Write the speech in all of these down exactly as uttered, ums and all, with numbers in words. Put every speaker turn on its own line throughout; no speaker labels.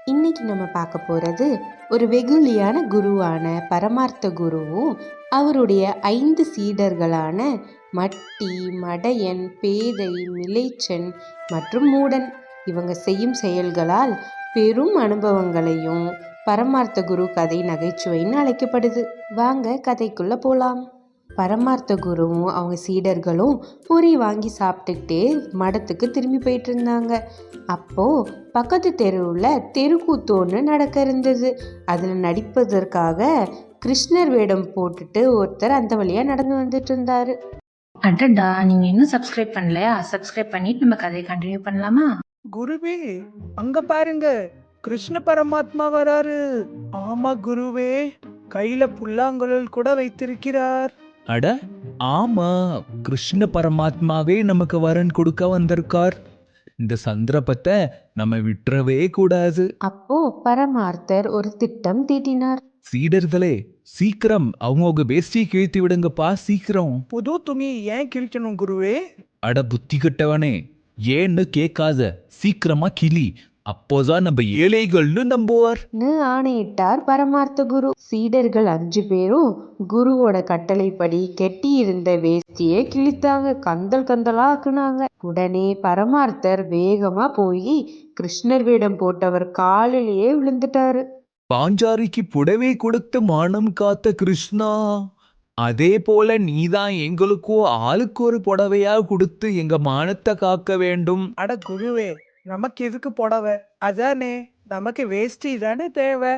இன்னைக்கு நம்ம பார்க்க போகிறது ஒரு வெகுளியான குருவான பரமார்த்த குருவும் அவருடைய ஐந்து சீடர்களான மட்டி, மடையன், பேதை, மிலைச்சன் மற்றும் மூடன் இவங்க செய்யும் செயல்களால் பெரும் அனுபவங்களையும் பரமார்த்த குரு கதை நகைச்சுவைன்னு அழைக்கப்படுது. வாங்க கதைக்குள்ள போலாம். பரமார்த்த குருவும் அவங்க சீடர்களும் பொரி வாங்கி சாப்பிட்டுக்கிட்டே மடத்துக்கு திரும்பி போயிட்டு இருந்தாங்க. அப்போ பக்கத்து தெருவில் தெருக்கூத்து ஒன்று நடக்க இருந்தது. அதில் நடிப்பதற்காக கிருஷ்ணர் வேடம் போட்டுட்டு ஒருத்தர் அந்த வழியாக நடந்து வந்துட்டு இருந்தாரு.
அடடா, நீங்க இன்னும் சப்ஸ்கிரைப் பண்ணலையா? சப்ஸ்கிரைப் பண்ணிட்டு நம்ம கதையை கண்டினியூ பண்ணலாமா?
குருவே, அங்க பாருங்க, கிருஷ்ண பரமாத்மா வராரு. ஆமா குருவே, கையில புல்லாங்குழல் கூட வைத்திருக்கிறார்.
அட ஆமா, கிருஷ்ண பரமாத்மாவே நமக்கு வரன் கொடுக்க வந்திருக்கார். இந்த சந்தர்ப்பத்தை நம்ம விட்டுறவே கூடாது.
அப்போ பரமார்த்தர் ஒரு திட்டம் தீட்டினார்.
சீடர்களே, சீக்கிரம் அவங்கவுங்க வேஷ்டியை கிழித்து விடுங்கப்பா, சீக்கிரம்.
புது துணி ஏன் கிழிக்கணும் குருவே?
அட புத்தி கட்டவனே, ஏன்னு கேட்காத, சீக்கிரமா கிளி, அப்போதான் நம்ம ஏழைகள்னு நம்புவார்
ஆணையிட்டார் பரமார்த்த குரு. சீடர்கள் அஞ்சு பேரும் குருவோட கட்டளைப்படி கெட்டி இருந்த வேஷ்டியை கிழித்தாங்க, கந்தல் கந்தலா ஆக்குனாங்க. உடனே பரமார்த்தர் வேகமா போய் கிருஷ்ணர் வேடம் போட்டவர் காலிலேயே விழுந்துட்டாரு.
பாஞ்சாரிக்கு புடவை கொடுத்து மானம் காத்த கிருஷ்ணா, அதே போல நீதான் எங்களுக்கும் ஆளுக்கு ஒரு புடவையா கொடுத்து எங்க மானத்தை காக்க வேண்டும்.
அட குருவே, நமக்கு எதுக்கு புடவை? அதானே, நமக்கு வேஷ்டி தானே தேவை.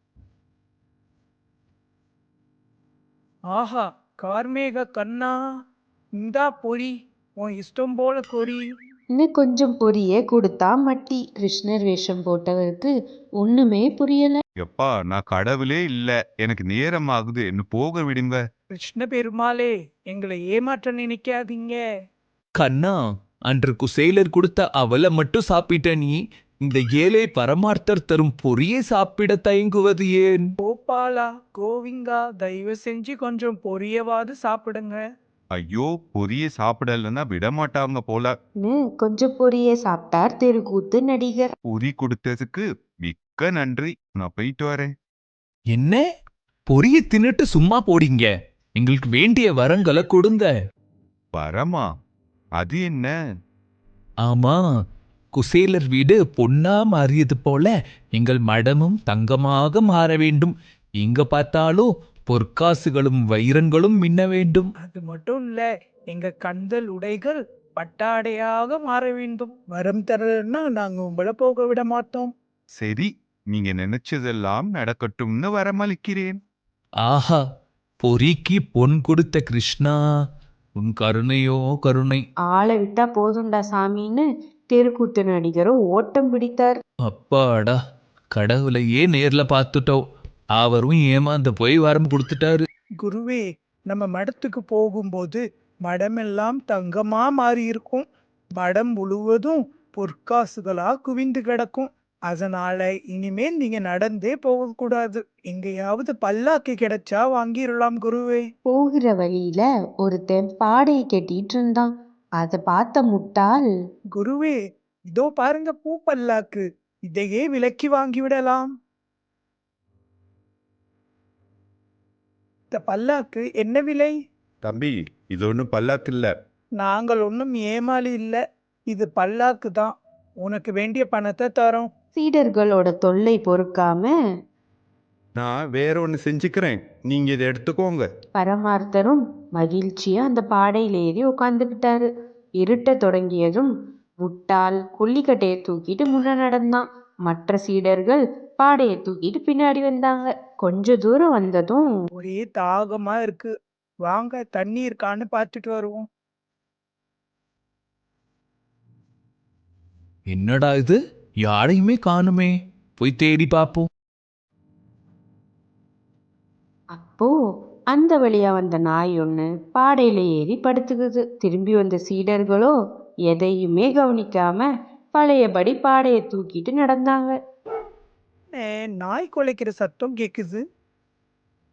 ஆஹா, கார்மேக கண்ணா, இந்தா பொறி, உன் இஷ்டம் போல கொறி.
இன்னும் கொஞ்சம் பொரிய கொடுத்தா மட்டி. கிருஷ்ணர் வேஷம் போட்டவருக்கு ஒண்ணுமே புரியல.
எப்பா, நான் கடவுளே இல்ல, எனக்கு நேரம் ஆகுது, என்ன போக விடுங்க.
கிருஷ்ண பெருமாளே, எங்களை ஏமாற்ற நினைக்காதீங்க.
கண்ணா, அன்று குசேலர் கொடுத்த அவலை மட்டும் சாப்பிட்ட நீ இந்த ஏழை பரமார்த்தர் தரும் பொரியை சாப்பிட தயங்குவது ஏன்?
கோபாலா, கோவிங்கா, தயவு செஞ்சு கொஞ்சம் பொரியவாது சாப்பிடுங்க.
ஐயோ, பொரிய சாப்பிடலன்னா விட மாட்டாங்க போல.
கொஞ்சம் பொரிய சாப்பிட்டார் தெருக்கூத்து நடிகர்.
பொரி கொடுத்ததுக்கு மிக்க நன்றி, நான் போயிட்டு வரேன்.
என்ன, பொரிய தின்னுட்டு சும்மா போடிங்க, எங்களுக்கு வேண்டிய வரங்களை கொடுங்க.
வரமா? அது என்ன?
ஆமா, குசேலர் வீடு பொன்னா மாறியது போல எங்கள் மடமும் தங்கமாக மாற வேண்டும். எங்க பார்த்தாலும் பொற்காசுகளும் வைரங்களும் மின்ன வேண்டும்.
அது மட்டும் இல்ல, எங்க கந்தல் உடைகள் பட்டாடையாக மாற வேண்டும். வரம் தரலன்னா நாங்க உங்களை போக விட மாட்டோம்.
சரி, நீங்க நினைச்சதெல்லாம் நடக்கட்டும்னு வரமளிக்கிறேன்.
ஆஹா, பொறிக்கு பொன் கொடுத்த கிருஷ்ணா, உன் கருணையோ கருணை.
ஆளை விட்டா போதும்டா சாமின்னு தெருக்கூத்து நடிகரும் ஓட்டம் பிடித்தார்.
அப்பாடா, கடவுளையே நேர்ல பார்த்துட்டோம், அவரும் ஏமாந்து போய் வரம் கொடுத்துட்டாரு.
குருவே, நம்ம மடத்துக்கு போகும்போது மடமெல்லாம் தங்கமா மாறி இருக்கும். மடம் முழுவதும் பொற்காசுகளா குவிந்து கிடக்கும். அதனால இனிமேல் நீங்க நடந்தே போகக்கூடாது. எங்கேயாவது பல்லாக்கு கிடைச்சா வாங்கிடலாம் குருவே.
போகிற வழியில ஒருத்தன் பாடையை கட்டிட்டு இருந்தான். அதை பார்த்த முட்டாள்,
குருவே, இதோ பாருங்க பூ பல்லாக்கு, இதையே விலைக்கு வாங்கி விடலாம். இந்த பல்லாக்கு என்ன விலை?
தம்பி, இது ஒன்றும் பல்லாக்கு இல்ல.
நாங்கள் ஒன்றும் ஏமாளி இல்ல, இது பல்லாக்கு தான். உனக்கு வேண்டிய பணத்தை தரோம்.
சீடர்களோட தொல்லை பொறுக்காம
நான் வேற ஒன்று செஞ்சுக்கிறேன், நீங்க இதை எடுத்துக்கோங்க.
பரமார்த்தரும் மகிழ்ச்சியா அந்த பாடையில ஏறி உட்காந்துக்கிட்டாரு. இருட்ட தொடங்கியதும் முட்டாள் கொல்லிக்கட்டையை தூக்கிட்டு முன்ன நடந்தான். மற்ற சீடர்கள் பாடையை தூக்கிட்டு பின்னாடி வந்தாங்க. கொஞ்ச தூரம் வந்ததும்,
ஒரே தாகமா இருக்கு, வாங்க தண்ணி இருக்கான்னு பார்த்துட்டு வருவோம்.
என்னடா இது, யாரையுமே காணுமே, போய் தேடி பார்ப்போம்.
அப்போ அந்த வழியா வந்த நாய் ஒண்ணு பாடையில ஏறி படுத்துக்குது. திரும்பி வந்த சீடர்களோ எதையுமே கவனிக்காம பழையபடி பாடையை தூக்கிட்டு நடந்தாங்க.
ஏ, நாய் குலைக்கிற சத்தம் கேக்குது.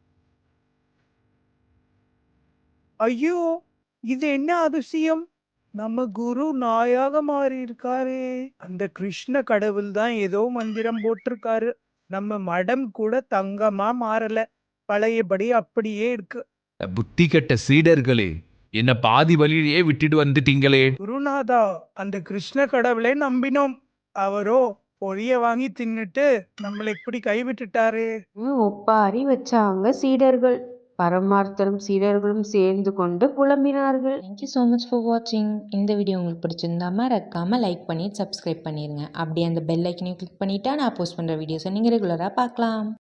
ஐயோ, இது என்ன அதிசயம்! நம்ம குரு நாயாக மாறி இருக்காரே. அந்த கிருஷ்ண கடவுள் தான் ஏதோ மந்திரம் போட்டிருக்காரு. நம்ம மடம் கூட தங்கமா மாறல. பழையபடி அப்படியே இருக்கு.
புத்தி கெட்ட சீடர்களே, என்ன பாதி வழியிலேயே விட்டுட்டு வந்துட்டீங்களே.
குருநாதா, அந்த கிருஷ்ண கடவுளை நம்பினோம். அவரோ பொரிய வாங்கி தின்னுட்டு நம்மளை இப்படி கைவிட்டுட்டாரே.
ம், ஒப்பாரி வச்சாங்க சீடர்கள். பரமார்த்தரும் சீடர்களும் சேர்ந்து கொண்டு புலம்பினார்கள்.
தேங்க்யூ ஸோ மச் ஃபார் வாட்சிங். இந்த வீடியோ உங்களுக்கு பிடிச்சிருந்தா மறக்காம லைக் பண்ணி சப்ஸ்கிரைப் பண்ணிடுங்க. அப்படியே அந்த பெல் ஐக்கனையும் கிளிக் பண்ணிட்டா நான் போஸ்ட் பண்ணுற வீடியோஸை நீங்கள் ரெகுலராக பார்க்கலாம்.